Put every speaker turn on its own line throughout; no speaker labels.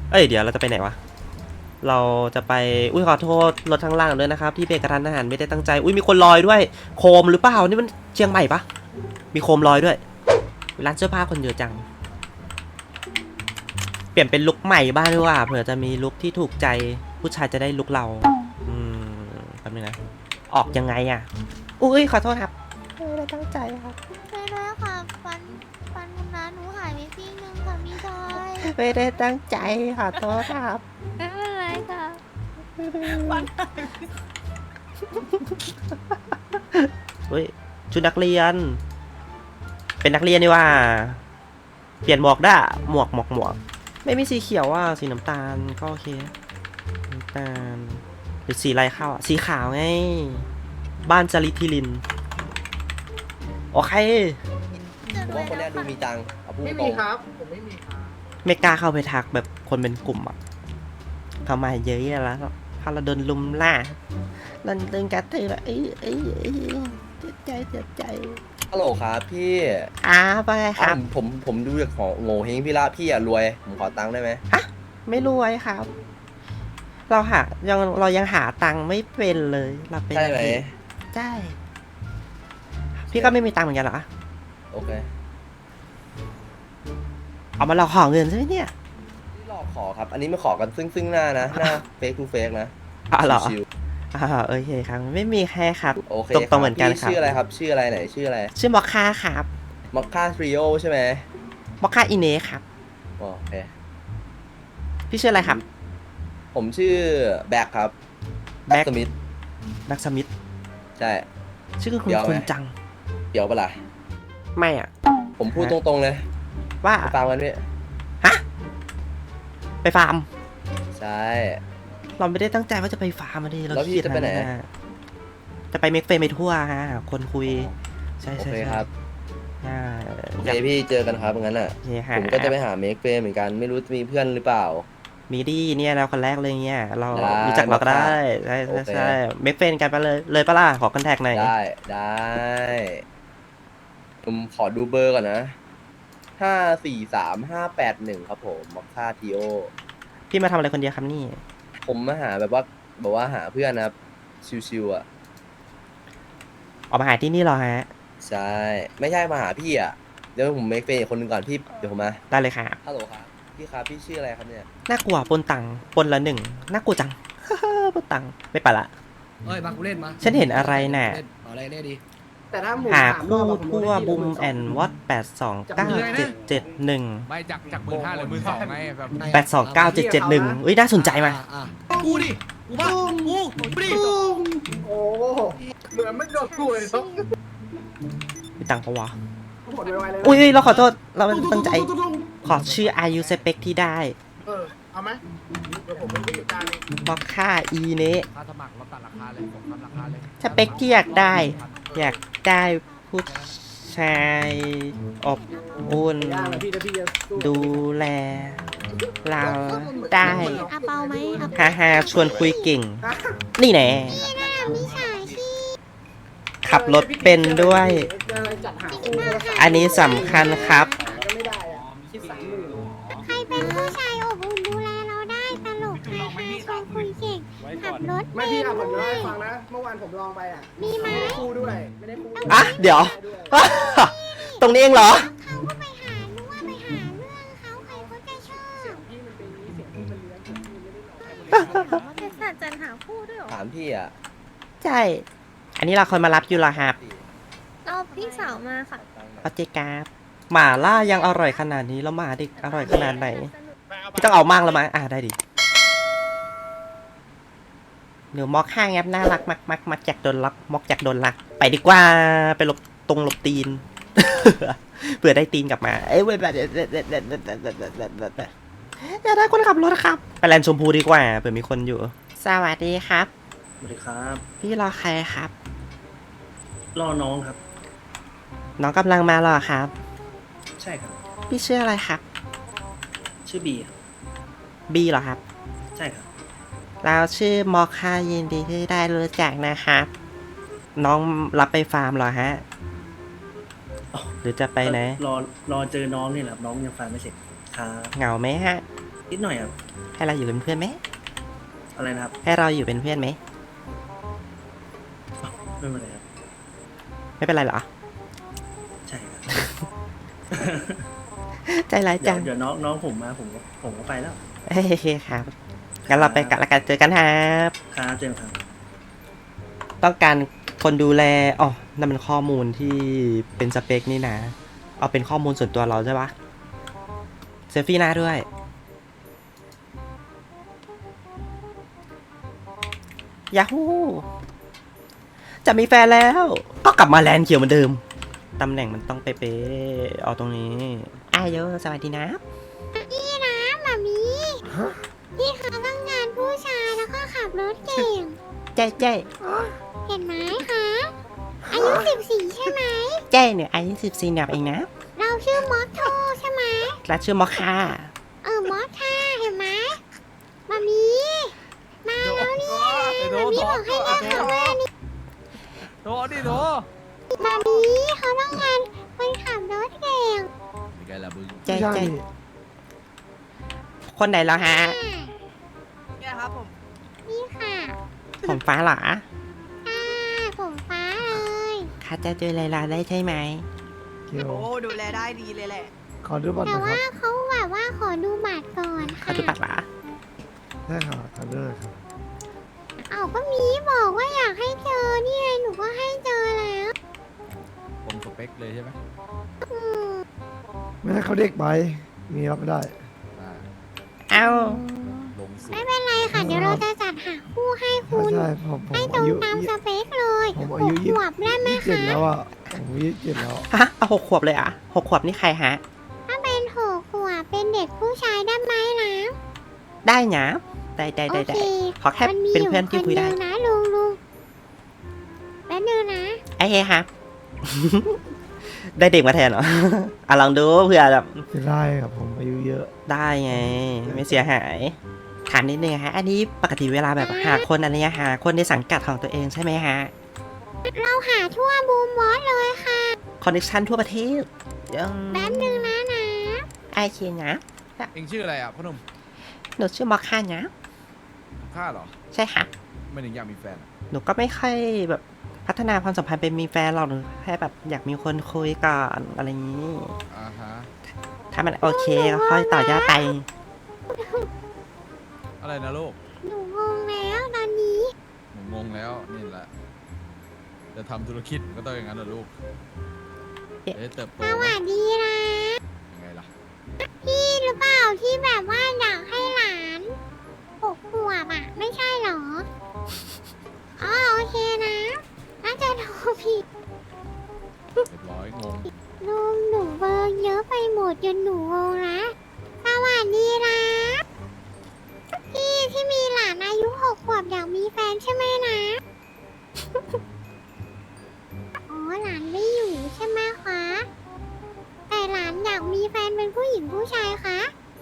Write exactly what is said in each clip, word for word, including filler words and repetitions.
เอ้ยเดี๋ยวเราจะไปไหนวะเราจะไปอุ้ยขอโทษรถทางล่างด้วยนะครับที่เบรกกระทันหันไม่ได้ตั้งใจอุ้ยมีคนลอยด้วยโคมหรือเปล่านี่มันเชียงใหม่ปะมีโคมลอยด้วยร้านเสื้อผ้าคนเยอะจังเปลี่ยนเป็นลุคใหม่บ้างดีกว่าเผื่อจะมีลุคที่ถูกใจผู้ชายจะได้ลุคเราอืมแป๊บนึงนะออกยังไงอ่ะอุ้ยขอโทษครับไม่ได้ตั้งใจครับ
ไม่ได้ค่ะฟันฟันคุณน้าหนูหายไปซี่นึงค่ะพี่ชาย
ไม่ได้ตั้งใจขอโทษครับ
ไม่เป็นไรค่ะ
เฮ้ยชุดนักเรียน เป็นนักเรียนนี่ว่า เปลี่ยนหมวกได้หมวกหมวกหมวกไม่มีสีเขียวอ่ะสีน้ำตาลก็โอเคน้ำตาลหรือสีอะไรเข้าอ่ะสีขาวไงบ้านจริตทิลินโอเค
ผมว่าคนเนี้ยดูมีตังค์เอาพูด
ไม่
ตร
มี
ง
ครับ ผมไม่มีครับ
ไม่กล้าเข้าไปทักแบบคนเป็นกลุ่มอ่ะทำไมเยอะแล้วพาเราโดนลุมล่าลันตึงกัดเธอแบบเอ้ยเอ้ยเอ้ยเจ็บใจเจ็บใจ
ฮัลโหลครับพี่
อ้าไปครับ
ผมผมผมดูจากของโง่เฮงพี่ละพี่อะรวย ผมขอตังค์ได้ไหม
ไม่รวยครับ เราหายังเรายังหาตังค์ไม่เป็นเลยเราเป็น
ใช่ไหม
ใช่ พี่ก็ไม่มีตังค์เหมือนกันเหรอ
โอเค
เอามาเราขอเงินใช่ไหมเนี่ย
พี่หลอกขอครับ อันนี้ไม่ขอกันซึ่งซึ่งหน้านะ หน้าเฟกทูเฟกนะ
อ๋อเหรอ
ชิว
อ่าโอเคครับ ไม่มีใครครับ
ๆโอเค
ตรงๆเหมือนกัน
พี่
ครับ
ชื่ออะไรครับ ชื่ออะไรไหน ชื่ออะไร
ชื่อมอคค่าครับ
มอคค่าทริโอใช่ไหม
มอคค่าอินเนครับ
โอเค
พี่ชื่ออะไรครับ
ผมชื่อแบ็คครับ
แบ็ค
สมิธ
นักสมิธ
ใช่
ชื่อคุณ
เดี๋ยวไหม
คุณจัง
เดี๋ยวปะล่ะ
ไม่อ่ะ
ผมพูดตรงๆเลย
ว่า
ไปฟังกันพี่
ฮะ ไปฟาร์ม
ใช่
เราไม่ได้ตั้งใจว่าจะไปฟาร์มมาดิเรา
แล้วพี่
คิด
จะไปไหน
จะไปเมกเฟรมไปทั่วฮะหาคนคุย ใช่
โอ
ใช่
เค
ใช่
ครับ
ใช่
โอเคพี่เจอกันครับงั้นอ่ะ
โอเคฮ
ผมก็จะไปหาเมคเฟเหมือนกัน ไม่รู้จะมีเพื่อนหรือเปล่า
มีดีเนี่ยเราคนแรกเลยเนี่ยเรา
ได้
รู้จักเราก็ได้ใช่
โอ
ใช่
เค
ใช่เมกเฟรนกันไปเลยเลยปะล่ะขอคอนแทคหน่อย
ได้ได้ผมขอดูเบอร์ก่อนนะห้าสี่สามห้าแปดหนึ่งครับผมมอคค่าทีโอ
พี่มาทำอะไรคนเดียวครับนี่
ผมมาหาแบบว่าแบบว่าหาเพื่อนนะครับ ชิวๆอ่ะ
ออกมาหาที่นี่เหรอฮะ
ใช่ ไม่ใช่มาหาพี่อ่ะ เดี๋ยวผมเมคเฟอีกคนหนึ่งก่อนพี่ เดี๋ยวผมมา
ได้เลยครับ
ฮัลโหลครับ พี่ครับ พี่ชื่ออะไรครับเนี่ย
น่ากลัวปนตังปนละหนึ่งน่ากลัวจัง ปนตังไม่ไปละ
เอ้ยมากูเล่นมา
ฉันเห็นอะไรน่ะ
เล่เอาอะไรเล่นดี
แต่ถ้าหมู
หา
สามร
คู่
อบอะผม
ทั่ว
ได้ที่
บุม
ละ
แอนวอตแปดสองเก้าเจ็ดเจ็ดหนึ่ง
ไม่จากจากหมื่นห้าหรือหมื่นสองไงแบบ
แปดสองเก้าเจ็ดเจ็ดหนึ่งอุ้ยน่าสนใจมา
อ่ะอ่ะกูดิกูบ้ากูกูดิ
โอ้เหมือนไม่โดนกูเลยครับ
มีตังค์ปะวะ
ผลไวๆเลยนะ
อุ้ยเราขอโทษเราไม่ตั้งใจ ขอชื่ออายุสเปคที่ได้
เออ เอาไหมเดี๋ยวผมเป็นผู้จัดการเอง
มอคค่าอีเนะ
ค่าสมัครลดตัดราคาเลยผมทำราคาเลย
สเปคที่อยากได้ อยากได้ผู้ชายอบอุ่น
ย่างนะพี่นะพี่จะสู้
ดูแล เราได้
อาเปาไหมอา
ฮ่าฮ่าชวนคุยเก่ง นี่แน่
พี่ชายที่
ขับรถเป็นด้วย
จัดหาคู่ก็ได้
อันนี้สำคัญครับ
ก็ไม่ได้อะคิดสามหมื่น
ใครเป็นผู้ชายอบอุ่นดูแลเราได้ตลกฮาฮาชวนคุยเก่งขับรถ
ไม่
เป็น
พี่อ่ะผมจะ
ด้ว
ให้
ย
ฟังนะ เมื่อวานผมลองไปอ่ะ
มีไหม
ไม่ได้คู่ด้วย ไม่ได้คู่
อ่ะเดี๋ยว ตรงนี้เองเหรอ
เขาก็ไปหารู้ว่าไปหาเรื่องเขาใครก็จะชอบ
พี่มันเป็นนี้เสียงพี่มันเลี้ยงผมพี่ไม่ได้หลอกใคร
เขาจะสัตว์จันหาคู่ด้วยเหรอ
ถามพี่อ่ะ
ใช่ อันนี้เราคนมารับอยู่เหรอครับ
เราพี่สาวมาค่ะ
เอาเจกาหมาล่ายังอร่อยขนาดนี้แล้วหมาเด็กอร่อยขนาดไหน พี่ต้องเอามากแล้วมั้งอ่ะได้ดิเดี๋ยวมอกห้างแอปน่ารักมักมักมักจากโดนลักมอกจากโดนลัก ไปดีกว่าไปหลบตรงหลบตีน เผื่อได้ตีนกลับมาเอ้ยเว้ยแบบอย่าได้คนขับรถครับไปแลนด์ชมพูดีกว่าเผื่อมีคนอยู่ สวัสดีครับ
สวัสดีครับ
พี่รอใครครับ
รอน้องครับ
น้องกำลังมาเหรอครับ
ใช่ครับ
พี่ชื่ออะไรครับ
ชื่อบีครับ
บีเหรอครับ
ใช่ครับ
เราชื่อมอคค่ายินดีที่ได้รู้จักนะครับ น้องรับไปฟาร์มเหรอฮะ
อ๋อ
หรือจะไปไหน
รอรอเจอน้องนี่แหละครับน้องยังฟังไม่เสร็จครับ
เหงาไหมฮะ
นิดหน่อยครับ
ให้เราอยู่เป็นเพื่อนไหม
อะไรนะครับ
ให้เราอยู่เป็นเพื่อนไหม
ไม่เป็นไรครับ
ไม่เป็นไรเหรอ
ใช่ครับ
ใจร้าย
เดี๋
จั
ยว
ง
เดี๋ยวน้องน้องผมมาผมก็ผมก็ไปแล้ว
โอเคครับงั้นเราไปกันแล้วกันเจอกันครับ
ครับเจมส์ครับ
ต้องการคนดูแลอ๋อนั่นมันข้อมูลที่เป็นสเปคนี่นะ เอาเป็นข้อมูลส่วนตัวเราใช่ปะเซลฟี่หน้าด้วย ยาฮูจะมีแฟนแล้ว ก็กลับมาแลนด์เขียวเหมือนเดิม ตำแหน่งมันต้องเป๊ะๆเอาตรงนี้อายโยสวัสดีนะ
พี่นะหมามีพี่เขาต้องงานผู้ชายแล้วก็ขับรถเก่ง
เจ๊เจ๊
เห็นไหมคะอายุสิบสี่ใช่ไหม
เจ๊เนี่ยอายุสิบสี่หนับเองนะ
เราชื่อมอสโทใช่ไหม
และชื่อมอคค่า
เออมอสค่ะเห็นไหมหมามีมาแล้วเนี่ยหมามีบอกให้มาขับมานี่
โดดิโด
หมามีเขาต้องงานคนขับรถเก่ง
มีไงล่ะมึง
เจ๊เจ๊คนไหนแล้วฮะ
เนี่ยครับผม
นี่ค่ะ
ผมฟ้าเหรอ
อ่าผมฟ้าเลย
ข้าจะเจอไลลาได้ใช่ไหม
โอ้ดูแลได้ดีเลยแหละ
ขอดูบัตร
แต่
นะค
ว่า
รับ
เขาแบบว่าขอดูบัตรก่อน
เขา
ค่ะ
ดูปัดเหรอ
ใช่ค่ะขอดูเลยครับ
เอาก็มีบอกว่าอยากให้เจอนี่ไงหนูก็ให้เจอแล้ว
ผมสเปคเลยใช่ไหม
อืม
ไม่ให้เขาเด็กไป มีรับไม่ได้
อ่า
เอ้า
ลงสูง
ไม่เป็นไรค่ะ เดี๋ยวเราจะจัดหาคู่ให้คุณ
ใช่ผมผม
ให้ตร
อางยุ
ตามสเปคเลย
ผม
ห
อายุ
ก
ยี่
ขวบได้ไหม
สิบเจ็ด
คะ
แล้วอ่ะผมยี่สิบเจ็ดแล้ว
ฮะเอาหกขวบเลยเหรอ่ะหกขวบนี่ใครฮะ
ถ้าเป็นหกขวบเป็นเด็กผู้ชายได้ไหมนะ
ได้หนะได้ได้
โอ
ได้
เค
ได้ขอแค่
มันมี
เป็น
อยู่
เพื่อนที่คุยได้
นเดีวนะลุงลุงแป๊บนึงนะ
ไอ้เฮ้ครับ ได้เด็กมาแทนเหรอ อ่ะลองดูเผื่อแบบ
จะได้ครับผมอายุเยอะ
ได้ไง ไม่เสียหายถามนิดนึงฮะ อันนี้ปกติเวลาแบบหาคนอะไรเงี้ยหาคนในสังกัดของตัวเองใช่ไหมฮะ
เราหาทั่วบูมมอสเลยค่ะ
คอนเนคชั่นทั่วประเทศยัง
แป๊บนึงนะนะ
ไอเคียนะ
เอ็งชื่ออะไรอ่ะพ่อหนุ่ม
หนูชื่อมอคค่านะ
ข้าเหรอ
ใช่ค่ะ
ไม่ถึงอยากมีแฟนอะ
หนูก็ไม่ค่อยแบบพัฒนาความสัมพันธ์เป็นมีแฟนหรอกหนูแค่แบบอยากมีคนคุยก่อนอะไรอย่างนี้
อ่าฮะ
ถ้ามันโอเคก็ค่อยต่อยอดไป
อะไรนะลูก
หนูงงแล้วตอนนี้
ผมงงแล้วนี่แหละจะทำธุรกิจก็ต้องอย่างนั้นเหรอลูก
เอ๊ะ
จะได้เติบโต
ส
ไหม
วัสดีนะ
ยังไงล่ะ
พี่หรือเปล่าที่แบบว่าอยากให้หลานหกขวบอ่ะ ไม่ใช่เหรอ อ๋อโอเคนะน่าจะโทรผิด
เรียบร้อยงง
ลุงหนูเบอร์เยอะไปหมดจนหนูงงละสวัสดีนะพี่ที่มีหลานอายุหกขวบอยากมีแฟนใช่ไหมนะ อ๋อหลานไม่อยู่ใช่ไหมคะ แต่หลานอยากมีแฟนเป็นผู้หญิงผู้ชายคะ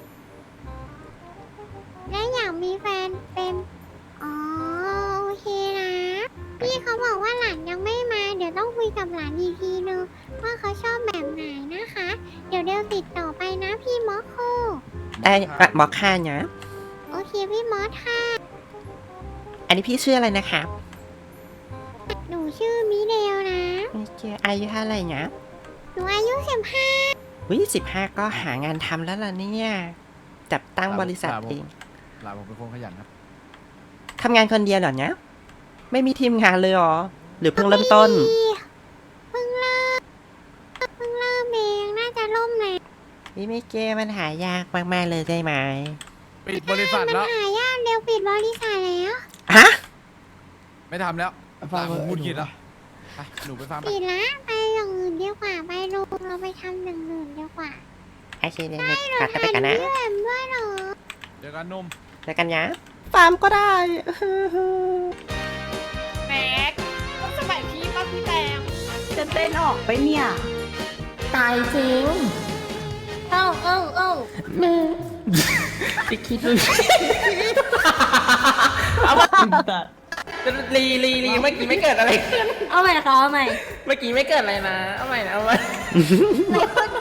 และอยากมีแฟนเป็น อ๋อโอเคนะ พี่เขาบอกว่าหลานยังไม่มา เดี๋ยวต้องคุยกับหลานอีกทีนึงว่าเขาชอบแบบไหนนะคะ เดี๋ยวเดี๋ยวติดต่อไปนะพี่มอคโค
ได้อ่ะมอคค่านะ
โอเคพี่มอสค่ะ
อันนี้พี่ชื่ออะไรนะครับ
หนูชื่อมิเดลนะ
โอเคอายุเท่าไหร่นะ
หนูอายุสิบห้า
วิสิบห้าก็หางานทำแล้วล่ะเนี่ยจับตั้งบริษัทเอง
หลานผมเป็นคนขยันครับ
ทำงานคนเดียวเหรอเนี่ยไม่มีทีมงานเลยเหรอ หรือเพิ่งเริ่มต้น
เพิ่งเริ่มเพิ่งเริ่มเองน่าจะล่มเลย
พี่ไม่เก้มันหายากมากๆเลยใช่ไหม
ปิดบริษัท
มัน
แล้ว
หายากเร็วปิดบริษัทแล้ว
ฮะ
ไม่ทำแล้ว
ฟั
ตาง ม
เล
ผม
ย
พูดกินแล้วไปหนูไปฟาร์มไป
ปิดละไปอย่างอื่นดีกว่าไปลุงเราไปทำอย่างอื่นดีกว่า
ไอเคเดี๋ยวๆขาดไปกันนะ
เพื่อนด้วยเหรอ
เจอกันหนุ่ม
เจอกันนะฟาร์มก็ได้
แม็กต้องสมัยพี่ป้าพี่แตง
จะเต้นออกไปเนี่ย ตายจริง
เอ้าเอ้าเอ้า
จะคิดว่า
ลีลีลีเมื่อกี้ไม่เกิดอะไรขึ้น
เอาใหม่ค่ะเอาใหม่
เมื่อกี้ไม่เกิดอะไรนะ เอาใหม่นะเอาใหม่
ไหนคน